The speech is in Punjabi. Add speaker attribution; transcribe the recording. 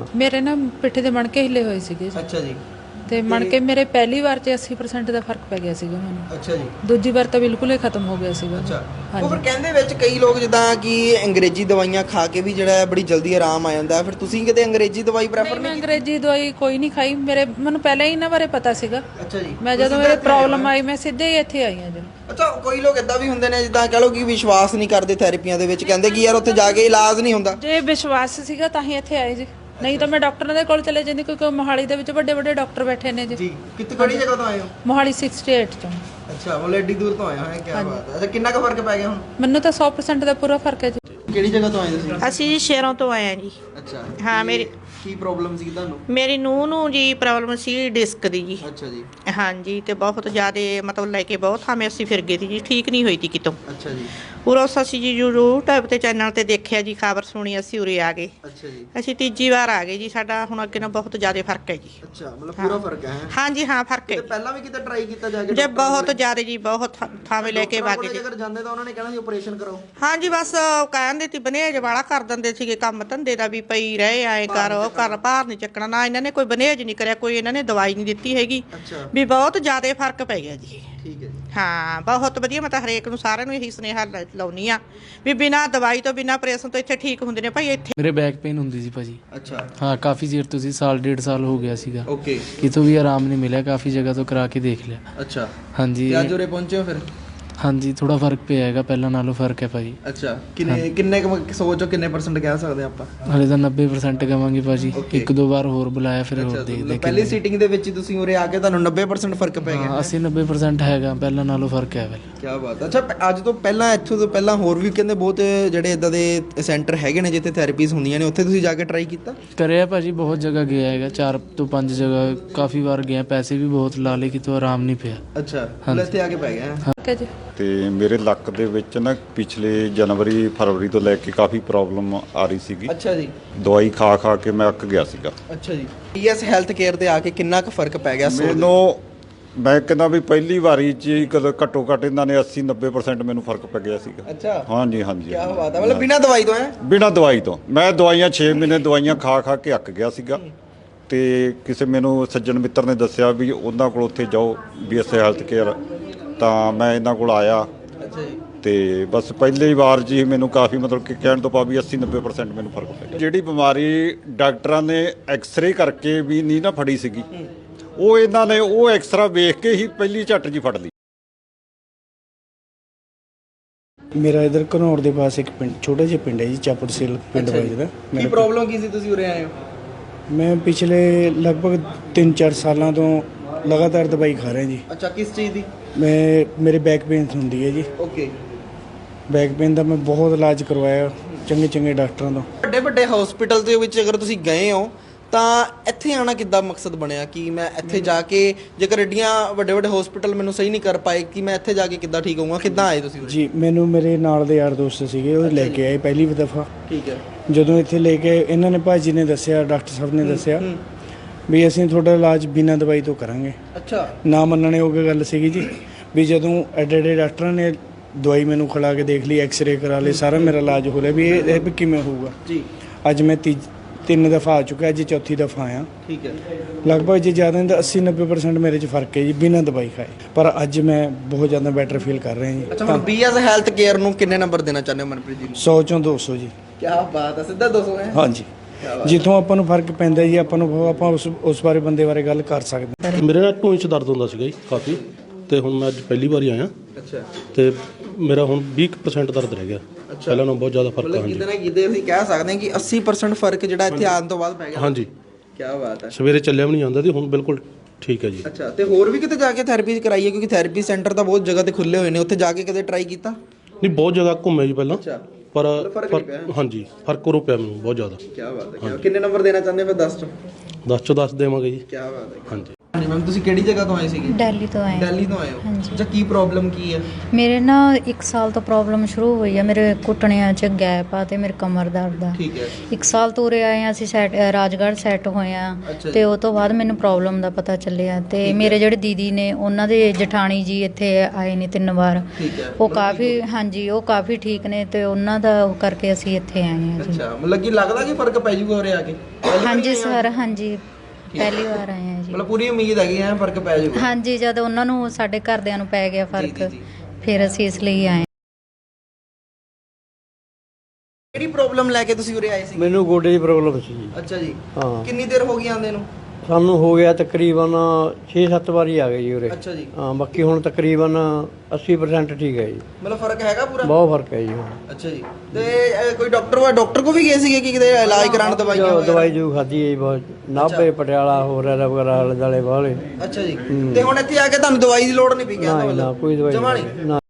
Speaker 1: ਮੇਰੇ ਨਾ ਪਿੱਠੇ ਦੇ ਮਣਕੇ ਹਿੱਲੇ ਹੋਏ ਸੀਗੇ ਜੀ।
Speaker 2: ਅੱਛਾ ਜੀ।
Speaker 1: ਤੇ ਮਣਕੇ ਮੇਰੇ ਪਹਿਲੀ ਵਾਰ 'ਚ 80% ਦਾ ਫਰਕ ਪੈ ਗਿਆ ਸੀਗਾ ਮੈਨੂੰ।
Speaker 2: ਅੱਛਾ ਜੀ।
Speaker 1: ਦੂਜੀ ਵਾਰ ਤਾਂ ਬਿਲਕੁਲ ਹੀ ਖਤਮ ਹੋ ਗਿਆ ਸੀਗਾ।
Speaker 2: ਅੱਛਾ। ਉਹ ਫਿਰ ਕਹਿੰਦੇ ਵਿੱਚ ਕਈ ਲੋਕ ਜਿੱਦਾਂ ਕਿ ਅੰਗਰੇਜ਼ੀ ਦਵਾਈਆਂ ਖਾ ਕੇ ਵੀ ਜਿਹੜਾ ਬੜੀ ਜਲਦੀ ਆਰਾਮ ਆ ਜਾਂਦਾ, ਫਿਰ ਤੁਸੀਂ ਕਿਤੇ ਅੰਗਰੇਜ਼ੀ ਦਵਾਈ ਪ੍ਰੈਫਰ
Speaker 1: ਮੈਂ ਅੰਗਰੇਜ਼ੀ ਦਵਾਈ ਕੋਈ ਨਹੀਂ ਖਾਈ। ਮੈਨੂੰ ਪਹਿਲਾਂ ਹੀ ਇਹਨਾਂ ਬਾਰੇ ਪਤਾ ਸੀਗਾ।
Speaker 2: ਅੱਛਾ ਜੀ।
Speaker 1: ਮੈਂ ਜਦੋਂ ਮੇਰੇ ਪ੍ਰੋਬਲਮ ਆਈ ਮੈਂ ਸਿੱਧੇ ਹੀ ਇੱਥੇ ਆਈ ਹਾਂ ਜੀ।
Speaker 2: ਅੱਛਾ, ਕੋਈ ਲੋਕ ਇਦਾਂ ਵੀ ਹੁੰਦੇ ਨੇ ਜਿੱਦਾਂ ਕਹ ਲਓ ਕਿ ਵਿਸ਼ਵਾਸ ਨਹੀਂ ਕਰਦੇ ਥੈਰੇਪੀਆਂ ਦੇ ਵਿੱਚ, ਕਹਿੰਦੇ ਕਿ ਯਾਰ ਉੱਥੇ ਜਾ ਕੇ ਇਲਾਜ ਨਹੀਂ ਹੁੰਦਾ।
Speaker 1: ਜੇ ਵਿਸ਼ਵਾਸ ਸੀਗਾ ਤਾਂ ਹੀ ਇੱਥੇ ਆਏ ਜੀ, ਨਹੀਂ ਤਾਂ ਮੈਂ ਡਾਕਟਰਾਂ ਦੇ ਕੋਲ ਚਲੇ ਜਾਂਦੀ, ਕਿਉਂਕਿ ਮੋਹਾਲੀ ਦੇ ਵਿੱਚ ਵੱਡੇ ਵੱਡੇ ਡਾਕਟਰ ਬੈਠੇ ਨੇ ਜੀ।
Speaker 2: ਕਿੱਥੇ ਕਿਹੜੀ ਜਗ੍ਹਾ ਤੋਂ ਆਏ ਹੋ?
Speaker 1: ਮੋਹਾਲੀ 68 ਤੋਂ।
Speaker 2: ਅੱਛਾ, ਉਹ ਐਡੀ ਦੂਰ ਤੋਂ ਆਏ ਹੋ, ਕੀ ਬਾਤ ਹੈ। ਅੱਛਾ, ਕਿੰਨਾ ਕੁ ਫਰਕ ਪੈ ਗਿਆ ਹੁਣ?
Speaker 1: ਮੈਨੂੰ ਤਾਂ 100% ਦਾ ਪੂਰਾ ਫਰਕ ਹੈ ਜੀ।
Speaker 2: ਕਿਹੜੀ ਜਗ੍ਹਾ ਤੋਂ ਆਏ ਤੁਸੀਂ?
Speaker 3: ਅਸੀਂ ਜੀ ਸ਼ਹਿਰੋਂ ਤੋਂ ਆਏ ਹਾਂ ਜੀ।
Speaker 2: ਅੱਛਾ।
Speaker 3: ਹਾਂ,
Speaker 2: ਕੀ ਪ੍ਰੋਬਲਮ ਸੀ ਤੁਹਾਨੂੰ?
Speaker 3: ਮੇਰੀ ਨੂੰਹ ਨੂੰ ਜੀ ਪ੍ਰੋਬਲਮ ਸੀ ਡਿਸਕ ਦੀ ਜੀ।
Speaker 2: ਅੱਛਾ ਜੀ।
Speaker 3: ਹਾਂਜੀ, ਤੇ ਬਹੁਤ ਜ਼ਿਆਦਾ ਮਤਲਬ ਲੈ ਕੇ ਬਹੁਤ ਥਾਵੇਂ ਅਸੀਂ ਫਿਰ ਗਏ ਸੀ ਜੀ, ਠੀਕ ਨਹੀਂ ਹੋਈ ਸੀ ਕਿਤੋਂ।
Speaker 2: ਅੱਛਾ ਜੀ।
Speaker 3: ਉਰੋਂ ਅਸੀਂ ਜੀ YouTube ਤੇ ਚੈਨਲ ਤੇ ਦੇਖਿਆ ਜੀ, ਖਬਰ ਸੁਣੀ, ਅਸੀਂ ਉਰੇ ਆ ਗਏ।
Speaker 2: ਅੱਛਾ ਜੀ।
Speaker 3: ਅਸੀਂ ਤੀਜੀ ਵਾਰ ਆ ਗਏ ਜੀ। ਸਾਡਾ ਹੁਣ ਅੱਗੇ ਨਾਲ ਬਹੁਤ ਜ਼ਿਆਦਾ ਫਰਕ ਹੈ ਜੀ।
Speaker 2: ਅੱਛਾ, ਮਤਲਬ ਪੂਰਾ ਫਰਕ ਹੈ।
Speaker 3: ਹਾਂਜੀ ਹਾਂ, ਫਰਕ ਹੈ।
Speaker 2: ਪਹਿਲਾਂ ਵੀ ਕਿਤੇ ਟਰਾਈ ਕੀਤਾ ਜਾ ਕੇ?
Speaker 3: ਜੇ ਬਹੁਤ ਜ਼ਿਆਦਾ ਜੀ, ਬਹੁਤ ਥਾਵੇਂ ਲੈ ਕੇ ਵਾਗੇ ਜੀ।
Speaker 2: ਅਗਰ ਜਾਂਦੇ ਤਾਂ ਉਹਨਾਂ ਨੇ ਕਹਿਣਾ ਸੀ ਆਪਰੇਸ਼ਨ ਕਰੋ।
Speaker 3: ਹਾਂਜੀ, ਬਸ ਕਹਿੰਦੇ ਸੀ ਬਨੇਜ ਵਾਲਾ ਕਰ ਦਿੰਦੇ ਸੀਗੇ ਕੰਮ ਧੰਦੇ ਦਾ, ਵੀ ਪਈ ਰਹੇ ਆਏ ਕਰ ਉਹ ਕਰ, ਭਾਰ ਨਹੀਂ ਚੱਕਣਾ ਨਾ। ਇਹਨਾਂ ਨੇ ਕੋਈ ਬਨੇਜ ਨਹੀਂ ਕਰਿਆ, ਕੋਈ ਇਹਨਾਂ ਨੇ ਦਵਾਈ ਨਹੀਂ ਦਿੱਤੀ ਹੈਗੀ।
Speaker 2: ਅੱਛਾ।
Speaker 3: ਵੀ ਬਹੁਤ ਜ਼ਿਆਦਾ ਫਰਕ ਪੈ ਗਿਆ ਜੀ।
Speaker 2: ਠੀਕ ਹੈ ਜੀ।
Speaker 3: ਹਾਂ, ਬਹੁਤ ਵਧੀਆ। ਮੈਂ ਤਾਂ ਹਰੇਕ ਨੂੰ, ਸਾਰਿਆਂ ਨੂੰ ਇਹੀ ਸੁਨੇਹਾ ਲਾਉਣੀ ਆ ਵੀ ਬਿਨਾਂ ਦਵਾਈ ਤੋਂ, ਬਿਨਾਂ ਆਪਰੇਸ਼ਨ ਤੋਂ ਇੱਥੇ ਠੀਕ ਹੁੰਦੇ ਨੇ ਭਾਈ। ਇੱਥੇ
Speaker 4: ਮੇਰੇ ਬੈਕ ਪੇਨ ਹੁੰਦੀ ਸੀ ਭਾਜੀ।
Speaker 2: ਅੱਛਾ।
Speaker 4: ਹਾਂ, ਕਾਫੀ ਚਿਰ ਤੋਂ ਸੀ, ਸਾਲ ਡੇਢ ਸਾਲ ਹੋ ਗਿਆ ਸੀਗਾ।
Speaker 2: ਓਕੇ।
Speaker 4: ਕਿਤੋਂ ਵੀ ਆਰਾਮ ਨਹੀਂ ਮਿਲਿਆ, ਕਾਫੀ ਜਗ੍ਹਾ ਤੋਂ ਕਰਾ ਕੇ ਦੇਖ ਲਿਆ।
Speaker 2: ਅੱਛਾ।
Speaker 4: ਹਾਂਜੀ।
Speaker 2: ਤੇ ਅੱਜ ਉਰੇ ਪਹੁੰਚੇ ਹੋ ਫਿਰ?
Speaker 4: ਹਾਂਜੀ, ਥੋੜਾ ਫਰਕ ਪਿਆ ਹੈਗਾ, ਪਹਿਲਾਂ ਨਾਲੋਂ ਫਰਕ ਹੈ ਭਾਜੀ।
Speaker 2: ਅੱਛਾ। ਕਿੰਨੇ ਸੋਚੋ ਕਿੰਨੇ % ਕਹਿ ਸਕਦੇ ਆਪਾਂ?
Speaker 4: ਹਲੇ ਤਾਂ 90% ਕਵਾਂਗੇ ਭਾਜੀ। ਇੱਕ ਦੋ ਵਾਰ ਹੋਰ ਬੁਲਾਇਆ, ਫਿਰ ਹੋਰ ਦੇਖਦੇ।
Speaker 2: ਪਹਿਲੀ ਸੀਟਿੰਗ ਦੇ ਵਿੱਚ ਤੁਸੀਂ ਉਰੇ ਆ ਕੇ ਤੁਹਾਨੂੰ 90% ਫਰਕ ਪੈ ਗਿਆ?
Speaker 4: 80-90% ਹੈਗਾ, ਪਹਿਲਾਂ ਨਾਲੋਂ ਫਰਕ ਹੈ।
Speaker 2: ਕੀ ਬਾਤ ਹੈ। ਅੱਛਾ, ਅੱਜ ਤੋਂ ਪਹਿਲਾਂ, ਇੱਥੋਂ ਤੋਂ ਪਹਿਲਾਂ ਹੋਰ ਵੀ ਕਹਿੰਦੇ ਬਹੁਤ ਜਿਹੜੇ ਇਦਾਂ ਦੇ ਸੈਂਟਰ ਹੈਗੇ ਨੇ ਜਿੱਥੇ ਥੈਰੇਪੀਜ਼ ਹੁੰਦੀਆਂ ਨੇ, ਉੱਥੇ ਤੁਸੀਂ ਜਾ ਕੇ ਟਰਾਈ ਕੀਤਾ?
Speaker 4: ਕਰਿਆ ਭਾਜੀ, ਬਹੁਤ ਜਗ੍ਹਾ ਗਿਆ ਹੈਗਾ, 4 ਤੋਂ 5 ਜਗ੍ਹਾ ਕਾਫੀ ਵਾਰ ਗਿਆ। ਪੈਸੇ ਵੀ ਬਹੁਤ ਲਾ ਲਏ, ਕਿਤੋਂ ਆਰਾਮ ਨਹੀਂ ਪਿਆ।
Speaker 2: ਅੱਛਾ, ਇੱਥੇ ਆ ਕੇ ਪੈ ਗਿਆ।
Speaker 1: ਜੀ।
Speaker 5: ਤੇ ਮੇਰੇ ਲੱਕ ਦੇ ਵਿੱਚ ਨਾ ਪਿਛਲੇ ਜਨਵਰੀ ਫਰਵਰੀ ਤੋਂ ਲੈ ਕੇ ਕਾਫੀ ਪ੍ਰੋਬਲਮ ਆ ਰਹੀ ਸੀਗੀ।
Speaker 2: ਅੱਛਾ ਜੀ।
Speaker 5: ਦਵਾਈ ਖਾ ਖਾ ਕੇ ਮੈਂ ਅੱਕ ਗਿਆ ਸੀਗਾ।
Speaker 2: ਅੱਛਾ ਜੀ। ਪੀਐਸ ਹੈਲਥ ਕੇਅਰ ਤੇ ਆ ਕੇ ਕਿੰਨਾ ਕੁ ਫਰਕ ਪੈ ਗਿਆ?
Speaker 5: ਮੈਂ ਕਹਿੰਦਾ ਵੀ ਪਹਿਲੀ ਵਾਰੀ 'ਚ ਹੀ ਘੱਟੋ ਘੱਟ ਇਹਨਾਂ ਨੇ 80-90% ਮੈਨੂੰ ਫਰਕ ਪੈ ਗਿਆ ਸੀਗਾ।
Speaker 2: ਅੱਛਾ।
Speaker 5: ਹਾਂਜੀ ਹਾਂਜੀ।
Speaker 2: ਕੀ ਬਾਤ ਹੈ। ਮਤਲਬ ਬਿਨਾਂ ਦਵਾਈ ਤੋਂ?
Speaker 5: ਬਿਨਾਂ ਦਵਾਈ ਤੋਂ। ਮੈਂ ਦਵਾਈਆਂ 6 ਮਹੀਨੇ ਦਵਾਈਆਂ ਖਾ ਖਾ ਕੇ ਅੱਕ ਗਿਆ ਸੀਗਾ। ਤੇ ਕਿਸੇ ਮੈਨੂੰ ਸੱਜਣ ਮਿੱਤਰ ਨੇ ਦੱਸਿਆ ਵੀ ਉਹਨਾਂ ਕੋਲ ਉੱਥੇ ਜਾਓ, BS ਹੈਲਥ ਕੇਅਰ, ਤਾਂ ਮੈਂ ਇਹਨਾਂ ਕੋਲ ਆਇਆ।
Speaker 2: ਅੱਛਾ ਜੀ।
Speaker 5: ਤੇ ਬਸ ਪਹਿਲੀ ਵਾਰ ਜੀ ਮੈਨੂੰ ਕਾਫੀ ਮਤਲਬ ਕਿ ਕਹਿਣ ਤੋਂ ਪਾ ਵੀ 80-90% ਮੈਨੂੰ ਫਰਕ ਪੈ ਗਿਆ। ਜਿਹੜੀ ਬਿਮਾਰੀ ਡਾਕਟਰਾਂ ਨੇ ਐਕਸਰੇ ਕਰਕੇ ਵੀ ਨਹੀਂ ਨਾ ਫੜੀ ਸੀਗੀ, ਉਹ ਇਹਨਾਂ ਨੇ ਉਹ ਐਕਸਰਾ ਵੇਖ ਕੇ ਹੀ ਪਹਿਲੀ ਝੱਟ ਜੀ ਫੜ ਲਈ।
Speaker 6: ਮੇਰਾ ਇਧਰ ਘਨੌਰ ਦੇ ਪਾਸ ਇੱਕ ਪਿੰਡ, ਛੋਟਾ ਜਿਹਾ ਪਿੰਡ ਹੈ ਜੀ, ਚਾਪੜਸੇਲ ਪਿੰਡ ਵੱਜਦਾ।
Speaker 2: ਕੀ ਪ੍ਰੋਬਲਮ ਕੀ ਸੀ ਤੁਸੀਂ ਉਰੇ ਆਏ ਹੋ?
Speaker 6: ਮੈਂ ਪਿਛਲੇ ਲਗਭਗ 3-4 ਸਾਲਾਂ ਤੋਂ ਲਗਾਤਾਰ ਦਵਾਈ ਖਾ ਰਿਹਾ ਜੀ।
Speaker 2: ਅੱਛਾ, ਕਿਸ ਚੀਜ਼ ਦੀ?
Speaker 6: ਮੇਰੇ ਬੈਕ ਪੇਨ ਹੁੰਦੀ ਹੈ ਜੀ।
Speaker 2: ਓਕੇ।
Speaker 6: ਬੈਕ ਪੇਨ ਦਾ ਮੈਂ ਬਹੁਤ ਇਲਾਜ ਕਰਵਾਇਆ ਚੰਗੇ ਡਾਕਟਰਾਂ ਤੋਂ।
Speaker 2: ਵੱਡੇ ਵੱਡੇ ਹਸਪੀਟਲ ਦੇ ਵਿੱਚ ਅਗਰ ਤੁਸੀਂ ਗਏ ਹੋ ਤਾਂ ਇੱਥੇ ਆਉਣਾ ਕਿੱਦਾਂ ਮਕਸਦ ਬਣਿਆ ਕਿ ਮੈਂ ਇੱਥੇ ਜਾ ਕੇ, ਜੇਕਰ ਐਡੀਆਂ ਵੱਡੇ ਵੱਡੇ ਹਸਪੀਟਲ ਮੈਨੂੰ ਸਹੀ ਨਹੀਂ ਕਰ ਪਾਏ, ਕਿ ਮੈਂ ਇੱਥੇ ਜਾ ਕੇ ਕਿੱਦਾਂ ਠੀਕ ਹੋਊਂਗਾ? ਕਿੱਦਾਂ ਆਏ ਤੁਸੀਂ?
Speaker 6: ਜੀ, ਮੈਨੂੰ ਮੇਰੇ ਨਾਲ ਦੇ ਯਾਰ ਦੋਸਤ ਸੀਗੇ, ਉਹ ਲੈ ਕੇ ਆਏ ਪਹਿਲੀ ਦਫਾ।
Speaker 2: ਠੀਕ ਹੈ।
Speaker 6: ਜਦੋਂ ਇੱਥੇ ਲੈ ਕੇ ਇਹਨਾਂ ਨੇ, ਭਾਜੀ ਨੇ ਦੱਸਿਆ, ਡਾਕਟਰ ਸਾਹਿਬ ਨੇ ਦੱਸਿਆ ਵੀ ਅਸੀਂ ਤੁਹਾਡਾ ਇਲਾਜ ਬਿਨਾਂ ਦਵਾਈ ਤੋਂ ਕਰਾਂਗੇ।
Speaker 2: ਅੱਛਾ।
Speaker 6: ਨਾ ਮੰਨਣੇ ਉਹ ਗੱਲ ਸੀਗੀ ਜੀ। ਵੀ ਜਦੋਂ ਐਡੇ ਡਾਕਟਰਾਂ ਨੇ ਦਵਾਈ ਮੈਨੂੰ ਖਿਲਾ ਕੇ ਦੇਖ ਲਈ, ਐਕਸਰੇ ਕਰਾ ਲਏ, ਸਾਰਾ ਮੇਰਾ ਇਲਾਜ ਹੋ ਰਿਹਾ ਵੀ ਇਹ ਕਿਵੇਂ ਹੋਊਗਾ
Speaker 2: ਜੀ।
Speaker 6: ਅੱਜ ਮੈਂ 3 ਦਫਾ ਆ ਚੁੱਕਾ, ਅੱਜ ਚੌਥੀ ਦਫਾ ਆਇਆ।
Speaker 2: ਠੀਕ ਹੈ।
Speaker 6: ਲਗਭਗ ਜੇ ਜ਼ਿਆਦਾ ਨਹੀਂ ਤਾਂ 80-90% ਮੇਰੇ 'ਚ ਫਰਕ ਹੈ ਜੀ, ਬਿਨਾਂ ਦਵਾਈ ਖਾਏ। ਪਰ ਅੱਜ ਮੈਂ ਬਹੁਤ ਜ਼ਿਆਦਾ ਬੈਟਰ ਫੀਲ ਕਰ ਰਿਹਾ ਜੀ।
Speaker 2: ਅੱਛਾ, ਹੁਣ BS ਹੈਲਥ ਕੇਅਰ ਨੂੰ ਕਿੰਨੇ ਨੰਬਰ ਦੇਣਾ ਚਾਹੁੰਦੇ ਹੋ ਮਨਪ੍ਰੀਤ ਜੀ?
Speaker 6: 100 ਚੋਂ 200 ਜੀ।
Speaker 2: ਕੀ ਬਾਤ ਹੈ। ਸਿੱਧਾ 200 ਹੈ?
Speaker 6: ਹਾਂਜੀ। ਜਿੱਥੋਂ ਆਪਾਂ ਨੂੰ ਫਰਕ ਪੈਂਦਾ ਜੀ, ਆਪਾਂ ਉਸ ਬਾਰੇ ਬੰਦੇ ਬਾਰੇ ਗੱਲ ਕਰ ਸਕਦੇ ਹਾਂ।
Speaker 7: ਮੇਰੇ ਨਾਲ ਢੂੰਹ 'ਚ ਦਰਦ ਹੁੰਦਾ ਸੀਗਾ ਜੀ ਕਾਫੀ, ਤੇ ਹੁਣ ਮੈਂ ਅੱਜ ਪਹਿਲੀ ਵਾਰੀ ਆਇਆ।
Speaker 2: ਅੱਛਾ।
Speaker 7: ਤੇ ਮੇਰਾ ਹੁਣ 20% ਦਰਦ ਰਹਿ ਗਿਆ। ਪਹਿਲਾਂ ਨਾਲੋਂ ਬਹੁਤ ਜ਼ਿਆਦਾ ਫਰਕ ਆ। ਹਾਂਜੀ,
Speaker 2: ਕਿਤੇ ਨਾ ਕਿਤੇ ਅਸੀਂ ਕਹਿ ਸਕਦੇ ਹਾਂ ਕਿ 80% ਫਰਕ ਜਿਹੜਾ ਇੱਥੇ ਆਉਣ ਤੋਂ ਬਾਅਦ ਪੈ ਗਿਆ।
Speaker 7: ਹਾਂਜੀ।
Speaker 2: ਕੀ ਬਾਤ ਹੈ।
Speaker 7: ਸਵੇਰੇ ਚੱਲਿਆ ਵੀ ਨਹੀਂ ਜਾਂਦਾ ਸੀ, ਹੁਣ ਬਿਲਕੁਲ ਠੀਕ ਹੈ ਜੀ।
Speaker 2: ਅੱਛਾ, ਤੇ ਹੋਰ ਵੀ ਕਿਤੇ ਜਾ ਕੇ ਥੈਰੇਪੀ ਕਰਾਈਏ? ਕਿਉਂਕਿ ਥੈਰੇਪੀ ਸੈਂਟਰ ਤਾਂ ਬਹੁਤ ਜਗ੍ਹਾ ਤੇ ਖੁੱਲੇ ਹੋਏ ਨੇ, ਉੱਥੇ ਜਾ ਕੇ ਕਦੇ ਟਰਾਈ ਕੀਤਾ?
Speaker 7: ਨਹੀਂ, ਬਹੁਤ ਜਗ੍ਹਾ ਘੁੰਮੇ ਜੀ ਪਹਿਲਾਂ।
Speaker 2: ਅੱਛਾ।
Speaker 7: ਪਰ ਹਾਂਜੀ, ਫਰਕ ਹੋ ਪਿਆ ਮੈਨੂੰ ਬਹੁਤ ਜ਼ਿਆਦਾ।
Speaker 2: ਕੀ ਬਾਤ ਹੈ। ਕਿੰਨੇ ਨੰਬਰ ਦੇਣਾ ਚਾਹੁੰਦੇ ਫਿਰ 10 ਚੋਂ?
Speaker 7: 10 ਚੋਂ 10 ਦੇਵਾਂਗੇ ਜੀ।
Speaker 2: ਕੀ ਬਾਤ ਹੈ।
Speaker 7: ਹਾਂਜੀ।
Speaker 2: ਹਾਂਜੀ ਮੈਮ ਤੁਸੀਂ ਕਿਹੜੀ ਜਗ੍ਹਾ ਤੋਂ ਆਏ ਸੀਗੇ?
Speaker 8: ਦਿੱਲੀ ਤੋਂ ਆਏ।
Speaker 2: ਦਿੱਲੀ ਤੋਂ ਆਏ ਹੋ?
Speaker 8: ਹਾਂਜੀ।
Speaker 2: ਅੱਛਾ, ਕੀ ਪ੍ਰੋਬਲਮ ਕੀ ਹੈ?
Speaker 8: ਮੇਰੇ ਨਾ 1 ਸਾਲ ਤੋਂ ਪ੍ਰੋਬਲਮ ਸ਼ੁਰੂ ਹੋਈ ਆ, ਮੇਰੇ ਘੁੱਟਣਿਆਂ 'ਚ ਗੈਪ ਆ ਤੇ ਮੇਰੇ ਕਮਰ ਦਰਦ ਆ।
Speaker 2: ਠੀਕ ਹੈ।
Speaker 8: 1 ਸਾਲ ਤੋਂ ਉਰੇ ਆਏ ਆ ਅਸੀਂ, ਰਾਜਗੜ੍ਹ ਸੈੱਟ ਹੋਏ ਆ
Speaker 2: ਅੱਛਾ ਜੀ।
Speaker 8: ਤੇ ਉਹ ਤੋਂ ਬਾਅਦ ਮੈਨੂੰ ਪ੍ਰੋਬਲਮ ਦਾ ਪਤਾ ਚੱਲਿਆ ਤੇ ਮੇਰੇ ਜਿਹੜੇ ਦੀਦੀ ਨੇ ਉਹਨਾਂ ਦੇ ਜਠਾਣੀ ਜੀ ਇੱਥੇ ਆਏ ਨੇ 3 ਵਾਰ।
Speaker 2: ਠੀਕ ਹੈ।
Speaker 8: ਉਹ ਕਾਫੀ, ਹਾਂਜੀ ਉਹ ਕਾਫੀ ਠੀਕ ਨੇ ਤੇ ਉਹਨਾਂ ਦਾ ਉਹ ਕਰਕੇ ਅਸੀਂ ਇੱਥੇ ਆਏ ਆ ਜੀ।
Speaker 2: ਅੱਛਾ, ਮਤਲਬ ਕਿ ਲੱਗਦਾ ਕਿ ਫਰਕ ਪੈ ਜੂਗਾ ਉਰੇ ਆ ਕੇ?
Speaker 8: ਹਾਂਜੀ ਸਰ, ਹਾਂਜੀ ਪਹਿਲੀ ਵਾਰ ਆਏ ਆ ਜੀ।
Speaker 2: ਮਤਲਬ ਪੂਰੀ ਉਮੀਦ ਹੈਗੀ ਐ ਫਰਕ ਪੈ ਜਾਊਗਾ?
Speaker 8: ਹਾਂਜੀ, ਜਦ ਉਹਨਾਂ ਨੂੰ ਸਾਡੇ ਘਰਦਿਆਂ ਨੂੰ ਪੈ ਗਿਆ ਫਰਕ,
Speaker 2: ਜੀ, ਜੀ।
Speaker 8: ਫਿਰ ਅਸੀਂ ਇਸ ਲਈ ਆਏ।
Speaker 2: ਕਿਹੜੀ ਪ੍ਰੋਬਲਮ ਲੈ ਕੇ ਤੁਸੀਂ ਉਰੇ ਆਏ ਸੀ?
Speaker 9: ਮੈਨੂੰ ਗੋਡੇ ਦੀ ਪ੍ਰੋਬਲਮ ਸੀ ਜੀ।
Speaker 2: ਅੱਛਾ ਜੀ।
Speaker 9: ਹਾਂ,
Speaker 2: ਕਿੰਨੀ ਦੇਰ ਹੋ ਗਈ ਆਂਦੇ ਨੂੰ?
Speaker 9: ਸਾਨੂੰ ਹੋ ਗਿਆ ਤਕਰੀਬਨ 6-7 ਵਾਰੀ ਆ ਗਏ ਜੀ ਉਰੇ।
Speaker 2: ਅੱਛਾ ਜੀ।
Speaker 9: ਹਾਂ, ਬਾਕੀ ਹੁਣ ਤਕਰੀਬਨ 80% ਠੀਕ ਹੈ ਜੀ।
Speaker 2: ਮਤਲਬ ਫਰਕ ਹੈਗਾ ਪੂਰਾ?
Speaker 9: ਬਹੁਤ ਫਰਕ ਹੈ ਜੀ ਹੁਣ।
Speaker 2: ਅੱਛਾ ਜੀ। ਤੇ ਕੋਈ ਡਾਕਟਰ ਕੋ ਵੀ ਗਏ ਸੀਗੇ ਕਿ ਕਿਤੇ ਇਲਾਜ ਕਰਾਉਣ, ਦਵਾਈਆਂ ਵਗੈਰਾ?
Speaker 9: ਦਵਾਈ ਜੋ ਖਾਧੀ ਹੈ ਜੀ, ਬਹੁਤ ਨਾਭੇ ਪਟਿਆਲਾ ਹੋਰ ਐਰਾ ਵਗੈਰਾ ਆਲੇ ਦੁਆਲੇ ਵਾਲੇ।
Speaker 2: ਅੱਛਾ ਜੀ। ਤੇ ਹੁਣ ਇੱਥੇ ਆ ਕੇ ਤੁਹਾਨੂੰ ਦਵਾਈ ਦੀ ਲੋੜ ਨਹੀਂ ਪਈ ਕਹਿੰਦਾ?
Speaker 9: ਨਾ ਕੋਈ ਦਵਾਈ
Speaker 2: ਜਮਾਂ
Speaker 9: ਨਹੀਂ। ਨਾ